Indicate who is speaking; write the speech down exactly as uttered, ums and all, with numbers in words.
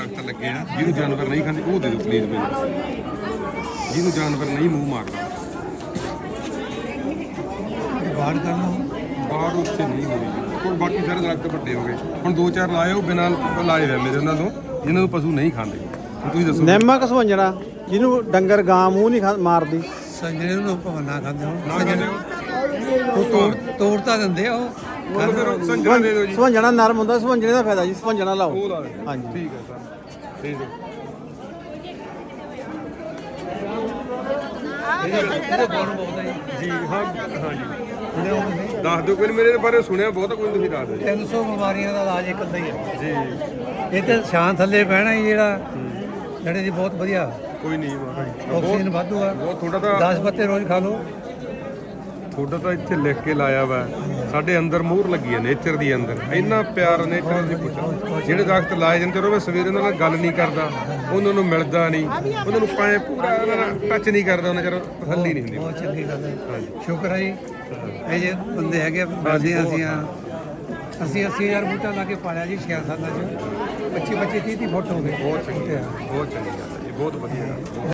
Speaker 1: ਦਰਖਤ ਲੱਗੇ ਆ ਜਿਹਨੂੰ ਜਾਨਵਰ ਨਹੀਂ ਖਾਂਦੇ ਉਹ ਦੇ ਦਿਓ ਪਲੀਜ਼ ਮੈਨੂੰ, ਜਿਹਨੂੰ ਜਾਨਵਰ ਨਹੀਂ ਮੂੰਹ ਮਾਰਦਾ।
Speaker 2: ਬਾੜ ਕਰਨਾ
Speaker 1: ਬਾਹਰ ਉੱਥੇ ਨਹੀਂ ਹੋਈ ਕੋਲ, ਬਾਕੀ ਸਾਰੇ ਦਰਖਤ ਵੱਡੇ ਹੋ ਗਏ। ਹੁਣ ਦੋ ਚਾਰ ਲਾਏ ਉਹ ਬਿਨਾਂ ਲਾਏ ਹੋਏ ਮੇਰੇ ਉਹਨਾਂ ਤੋਂ, ਜਿਹਨਾਂ ਨੂੰ ਪਸ਼ੂ ਨਹੀਂ ਖਾਂਦੇ। ਹੁਣ ਤੁਸੀਂ ਦੱਸੋ
Speaker 3: ਨਿੰਮ ਕਸਵੰਜਣਾ ਜਿਹਨੂੰ ਡੰਗਰ ਗਾਂ ਮੂੰਹ ਨਹੀਂ ਖਾ- ਮਾਰਦੀ।
Speaker 2: ਸੰਜਰੇ ਨੂੰ ਭਵਨਾ ਖਾਂਦੇ ਹੋ
Speaker 1: ਨਾ ਖਾਂਦੇ ਹੋ
Speaker 2: ਉਹ ਤੋੜ ਤੋੜ ਤਾਂ ਦਿੰਦੇ ਆ ਉਹ।
Speaker 1: ਉਹ ਫਿਰ ਸੰਜਰਾ ਦੇ ਦਿਓ ਜੀ,
Speaker 3: ਸਵੰਜਣਾ ਨਰਮ ਹੁੰਦਾ, ਸਵੰਜਣੇ ਦਾ ਫਾਇਦਾ ਜੀ, ਸਵੰਜਣਾ ਲਾਓ।
Speaker 1: ਉਹ ਲਾ ਦਿਓ।
Speaker 3: ਹਾਂਜੀ
Speaker 1: ਠੀਕ ਹੈ ਸਰ, ਠੀਕ ਹੈ।
Speaker 2: ਇਹਦੇ ਗੁਣ ਬਹੁਤ ਹੈ
Speaker 1: ਜੀ ਹਾਂ ਹਾਂ ਜੀ,
Speaker 2: ਜੀ ਉਹਦੇ
Speaker 1: ਦੱਸ ਦਿਓ ਕੋਈ, ਮੇਰੇ ਬਾਰੇ ਸੁਣਿਆ ਬਹੁਤ ਕੋਈ, ਤੁਸੀਂ ਦੱਸ ਦਿਓ ਜੀ।
Speaker 2: ਤਿੰਨ ਸੌ ਬਿਮਾਰੀਆਂ ਦਾ ਇਲਾਜ ਇੱਕ ਅੱਧਾ ਹੀ ਹੈ
Speaker 1: ਜੀ
Speaker 2: ਇਹ ਤੇ ਛਾਂ ਥੱਲੇ ਬਹਿਣਾ ਹੀ ਜਿਹੜਾ ਜਿਹੜੇ ਜੀ ਬਹੁਤ ਵਧੀਆ
Speaker 1: ਕੋਈ ਨਹੀਂ ਬਾਬਾ ਜੀ,
Speaker 2: ਆਕਸੀਜਨ ਵਾਧੂ ਆ।
Speaker 1: ਬਹੁਤ ਥੋੜਾ ਤਾਂ
Speaker 2: ਦਸ ਪੱਤੇ ਰੋਜ਼ ਖਾ ਲਓ।
Speaker 1: ਤੁਹਾਡਾ ਤਾਂ ਇੱਥੇ ਲਿਖ ਕੇ ਲਾਇਆ ਵਾ, ਸਾਡੇ ਅੰਦਰ ਮੂਹਰ ਲੱਗੀ ਹੈ ਨੇਚਰ ਦੀ, ਅੰਦਰ ਇੰਨਾ ਪਿਆਰ ਨੇਚਰ ਦੀ ਪੁੱਛੋ। ਜਿਹੜੇ ਦਰਖਤ ਲਾਏ ਜਾਂਦੇ ਉਹ ਮੈਂ ਸਵੇਰੇ ਉਹਨਾਂ ਨਾਲ ਗੱਲ ਨਹੀਂ ਕਰਦਾ, ਉਹਨਾਂ ਨੂੰ ਮਿਲਦਾ ਨਹੀਂ, ਉਹਨਾਂ ਨੂੰ ਪਾਏ ਪੂਰਾ ਉਹਨਾਂ ਨਾਲ ਟੱਚ ਨਹੀਂ ਕਰਦਾ, ਉਹਨਾਂ ਚਿਰ ਤਸੱਲੀ ਨਹੀਂ ਹੁੰਦੀ।
Speaker 2: ਬਹੁਤ ਚੰਗੀ ਗੱਲ ਹੈ, ਸ਼ੁਕਰ ਹੈ ਜੀ। ਇਹ ਜੇ ਬੰਦੇ ਹੈਗੇ ਬਾਜੀ, ਅਸੀਂ ਆ ਅਸੀਂ ਅੱਸੀ ਹਜ਼ਾਰ ਬੂਟਾ ਲਾ ਕੇ ਪਾਲਿਆ ਜੀ ਛੇ ਸਾਲਾਂ 'ਚ, ਪੱਚੀ ਪੱਚੀ ਤੀਹ ਤੀਹ ਫੁੱਟ ਹੋ ਗਏ।
Speaker 1: ਬਹੁਤ ਚੰਗੀ ਗੱਲ, ਬਹੁਤ ਚੰਗੀ ਗੱਲ ਹੈ ਜੀ, ਬਹੁਤ ਵਧੀਆ ਗੱਲ।